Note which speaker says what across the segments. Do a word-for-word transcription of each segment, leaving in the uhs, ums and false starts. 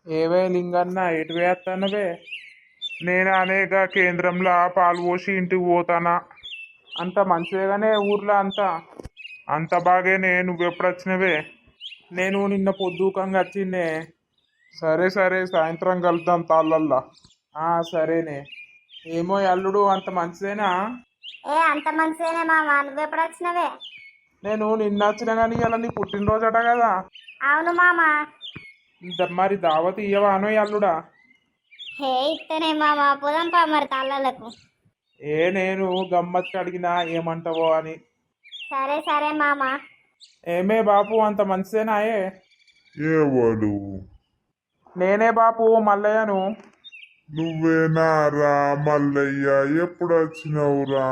Speaker 1: ఏవే లింగన్న ఎటు వేస్తానవే? నేను అనేక కేంద్రంలో పాలు పోసి ఇంటికి పోతానా. అంత మంచిదేగానే ఊర్లో అంతా? అంత బాగేనే. నువ్వెప్పుడు వచ్చినవే? నేను నిన్న పొద్దుకంగా వచ్చిండే. సరే సరే సాయంత్రం కలుద్దాం తాళ్ళల్లా. ఆ సరేనే. ఏమో ఈ అల్లుడు అంత మంచిదేనా?
Speaker 2: ఏ అంత మంచిదేనే మామ, నువ్వెప్పుడు వచ్చినవే?
Speaker 1: నేను నిన్న వచ్చిన కానీ ఇలా నీ పుట్టినరోజట కదా.
Speaker 2: అవును మామ.
Speaker 1: ద- మరి దావత్ ఇయ్యవా అనో ఈ అల్లుడా?
Speaker 2: హే ఇత్తనే మామ, పోదాంపా మరి తాళ్ళకు.
Speaker 1: ఏ నేను గమ్మత్తి అడిగినా ఏమంటావో అని.
Speaker 2: సరే సరే మామ.
Speaker 1: ఏమే బాపు అంత మంచిదేనాయే?
Speaker 3: ఎవడు?
Speaker 1: నేనే బాపు మల్లయ్యను.
Speaker 3: నువ్వేనా రా మల్లయ్య? ఎప్పుడు వచ్చినావురా?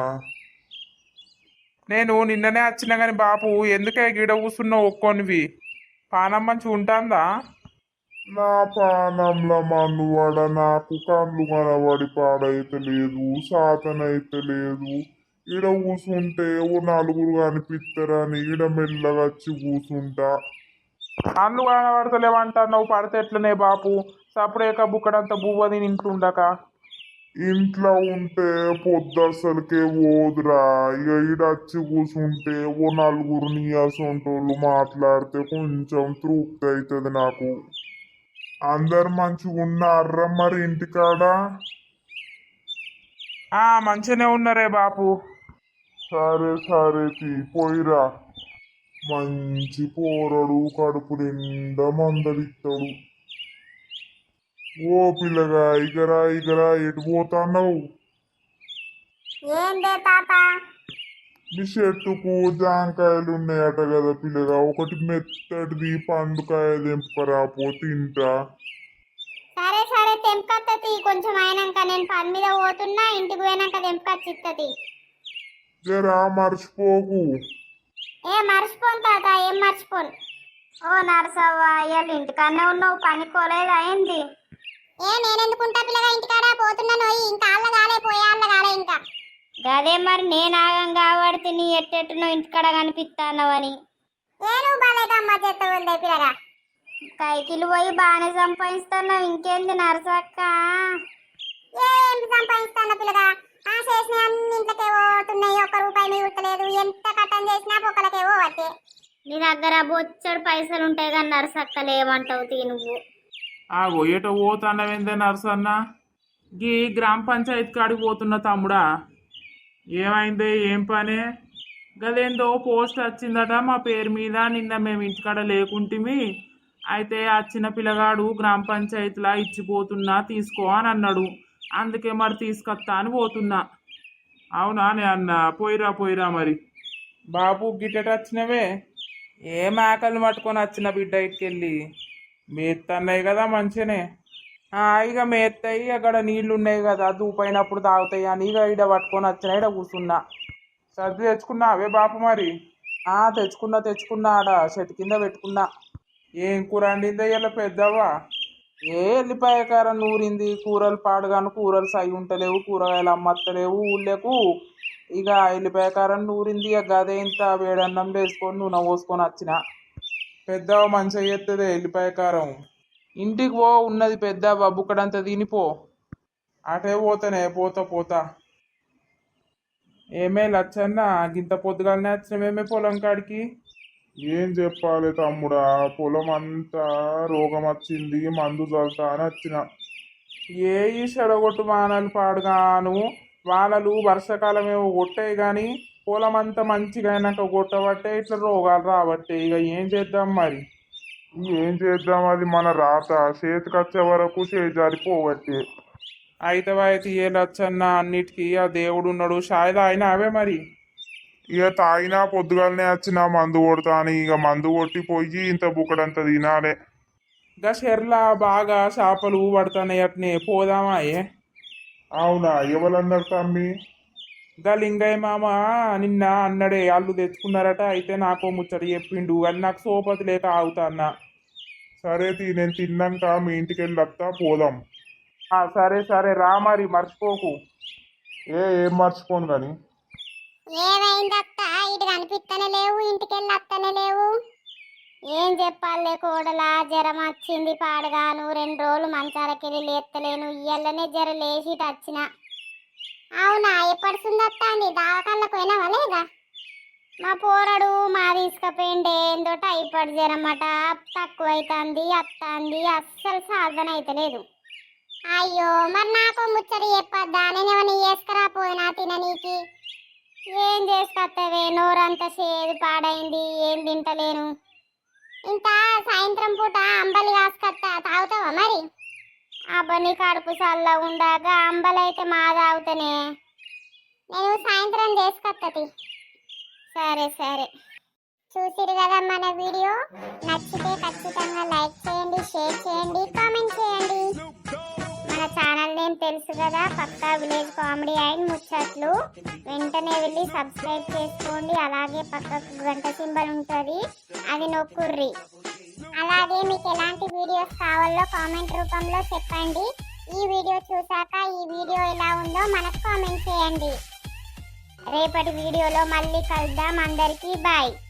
Speaker 1: నేను నిన్ననే వచ్చిన కానీ బాపు ఎందుకే గిడ కూసున్నావు ఒక్కొనివి? పానం మంచి ఉంటుందా?
Speaker 3: నా పానంల మన్నువాడ, నాకు కళ్ళు కనబడి పాడైతే లేదు, సాతనైతే లేదు. ఈడ కూసుంటే ఓ నలుగురు కనిపిస్తారని ఈడ మెల్లగా వచ్చి కూసుంటా.
Speaker 1: అన్ను కనబడతలేవంటున్నావు, పడితే ఎట్లనే బాపు? సపరేక బుక్కడంత బువ్వ తిని ఇంట్లుండక.
Speaker 3: ఇంట్లో ఉంటే పొద్దు అసలుకే పోదురా. ఇక ఈడ వచ్చి కూసుంటే ఓ నలుగురు నీయాసంటోళ్ళు మాట్లాడితే కొంచెం తృప్తి అవుతుంది నాకు. అందరు మంచిగా ఉన్నారా మరి ఇంటికాడ?
Speaker 1: ఆ మంచిగానే ఉన్నారే బాపు.
Speaker 3: సరే సరే తీ పోయిరా. మంచి పోరడు, కడుపు నిండా మందలిస్తాడు. ఓ పిల్లగా ఇగరా ఇగరా ఎటు పోతాన్నావు?
Speaker 2: ఏందే తాత?
Speaker 3: మీ చెట్టుకు జాంకాయలు ఉన్నాయట కదా పిల్లగా, ఒకటి మెత్తటిది పండుకాయ తెంపరా పో తింటా.
Speaker 2: సరే సరే తెంపకత్తది, కొంచెం అయినాక. నేను పని మీద పోతున్నా, ఇంటికి పోయినాక తెంపకచ్చిత్తది.
Speaker 3: జరా మర్చిపోకు.
Speaker 2: ఏ మర్చిపోను తాత, ఏం మర్చిపోను. ఓ నరసవ్వ, ఇవాళ ఇంటికాడనే ఉన్నావు, పని కోలేదు అయింది? ఏ నేనెందుకుంటా పిల్లగా, ఇంటికాడ పోతున్నాను. ఇంకా ఆళ్ళ కాలే, పోయాళ్ళ కాలే ఇంకా. గదే మరి నేను ఆగం కాబట్టి నీ ఎట్టెట్టునో ఇంటికాడ కనిపిస్తానవని. నేను బాలేదమ్మా చెత్త ఉందే పిల్లగా. కైకిలు పోయి బాగానే సంపాదిస్తున్నావు, ఇంకేంది నరసక్క? ఏం సంపాదిస్తాను పిల్లగా? ఆ చేసిన అన్ని ఇంట్లోకే పోతున్నాయి, ఒక్క రూపాయి మిగులుతలేదు. ఎంత కట్టం చేసినా పొక్కలకే పోవట్టే. నీ దగ్గర బొచ్చడు పైసలు ఉంటాయి కానీ నరసక్క లేవంటావు తీ నువ్వు.
Speaker 1: ఆ గొయ్యట పోతానవేందే నర్సన్న? గీ గ్రామ పంచాయతీ కాడికి పోతున్న తమ్ముడా. ఏమైంది? ఏం పని? గదేందో పోస్ట్ వచ్చిందట మా పేరు మీద. నిన్న మేము ఇంటికాడ లేకుంటిమి. అయితే వచ్చిన పిల్లగాడు గ్రామ పంచాయతీలా ఇచ్చిపోతున్నా తీసుకో అని అన్నాడు. అందుకే మరి తీసుకొస్తా అని పోతున్నా. అవునా నే అన్న? పోయిరా పోయిరా మరి. బాబు గిట్టట వచ్చినవే? ఏ మేకలు పట్టుకొని వచ్చిన బిడ్డ ఇటుకెళ్ళి. మేత్తన్నాయి కదా మంచిగానే. ఆ, ఇక మేస్తాయి. అక్కడ నీళ్లు ఉన్నాయి కదా, దూపైనప్పుడు తాగుతాయి అని ఇక ఈడ పట్టుకొని వచ్చిన, ఈడ కూర్చున్నా. సర్ది తెచ్చుకున్నా అవే బాపు మరి? ఆ తెచ్చుకున్నా తెచ్చుకున్నా, ఆడ చెట్టు కింద పెట్టుకున్నా. ఏం కూర వండిందో ఇలా పెద్దవా? ఏ ఎల్లిపాయ కారం నూరింది. కూరలు పాడుగాను, కూరలు సై ఉంటలేవు, కూరగాయలు అమ్మత్తలేవు ఊళ్ళకు. ఇక ఎల్లిపాయ కారం నూరింది. ఇక గదే ఇంత వేడన్నం వేసుకొని నూనె పోసుకొని వచ్చిన. పెద్దవ మంచిగా చేస్తుంది ఎల్లిపాయ కారం. ఇంటికి పో, ఉన్నది పెద్దవ బుక్కడంతా తినిపో. అటే పోతానే, పోతా పోతా. ఏమే లచ్చన్న, గింత పొద్దుగాలనే వచ్చినవేమే పొలం కాడికి?
Speaker 3: ఏం చెప్పాలి తమ్ముడా, పొలం అంతా రోగం వచ్చింది, మందు చల్లుతా అని వచ్చిన.
Speaker 1: ఏ ఈ చెడగొట్టు వానలు పాడుగాను. వానలు వర్షాకాలం ఏమో కొట్టాయి కానీ పొలం అంతా మంచిగా అయినాక కొట్టబట్టే ఇట్లా రోగాలు రాబట్టే. ఇక ఏం చేద్దాం మరి?
Speaker 3: ఏం చేద్దాం, అది మన రాత. చేతికి వచ్చే వరకు చేజారిపోవట్టే.
Speaker 1: అయితే అయితే ఏ లచ్చన్న, అన్నిటికీ ఆ దేవుడు ఉన్నాడు. షాయి తాగినా అవే మరి?
Speaker 3: ఇక తాగినా పొద్దుగాలనే వచ్చిన మందు కొడతా అని. ఇక మందు కొట్టి పోయి ఇంత బుక్కడంత తినాలే.
Speaker 1: ఇంకా షెర్లా బాగా చేపలు పడుతున్నాయి అట్నే, పోదామా? ఏ
Speaker 3: అవునా? ఎవరన్నారు తమ్మి?
Speaker 1: ఇంకా లింగయ్య మామ నిన్న అన్నడే వాళ్ళు తెచ్చుకున్నారట. అయితే నాకు ముచ్చట చెప్పిండు, అది నాకు సోపతి లేక ఆగుతా అన్న.
Speaker 3: సరే తీ, నేను తిన్నాక మీ ఇంటికి వెళ్ళి వస్తా, పోదాం.
Speaker 1: ఆ, సరే సరే రా మరి, మర్చిపోకు.
Speaker 3: ఏ ఏం మర్చిపోను కానీ.
Speaker 2: ఏమైందత్త? ఇటు కనిపిస్తనే లేవు, ఇంటికి వెళ్ళి వస్తనే లేవు. ఏం చెప్పాలే కోడలా, జ్వరం వచ్చింది పాడగాను, రెండు రోజులు మంచాలకెళ్ళి లేత్తలేను, ఇయ్యల్లనే జ్వరం లేచి వచ్చిన. అవునా, ఎప్పటి సుందత్తాంది? దావకాళ్ళకు పోయినావా లేదా? మా పోరడు మా తీసుకపోయిండే ఏందో టైఫాయిడ్ జ్వరం అట, తక్కువైతుంది అత్తాంది, అస్సలు సాధన అయితలేదు. అయ్యో, మరి నాకు ముచ్చట చెప్పద్దా? నేనేమన్నా చేసుకురా పోయినా తిననీకి? ఏం చేసుకొత్తవే, నోరంతా చేదు పాడైంది, ఏం తింటలేను. ఇంత సాయంత్రం పూట అంబలి కాసుకొత్తా, తాగుతావా మరి? అబ్బని కడుపు చల్లగా ఉండాక అంబలి అయితే మా తాగుతానే. నేను సాయంత్రం చేసుకొత్తది. సరే సరే. చూసిరు కదా మన వీడియో, నచ్చితే ఖచ్చితంగా లైక్ చేయండి, షేర్ చేయండి, కామెంట్ చేయండి. మన ఛానల్ నేమ్ తెలుసు కదా, పక్కా విలేజ్ కామెడీ అండ్ ముచ్చట్లు. వెంటనే వెళ్ళి సబ్స్క్రైబ్ చేసుకోండి. అలాగే పక్కకు గంట సింబల్ ఉంటుంది, అది నొక్కుర్రి. అలాగే మీకు ఎలాంటి వీడియోస్ కావాలో కామెంట్ రూపంలో చెప్పండి. ఈ వీడియో చూసాక ఈ వీడియో ఎలా ఉందో మనకు కామెంట్ చేయండి. రేపటి వీడియోలో మళ్ళీ కలుద్దాం. అందరికీ బాయ్.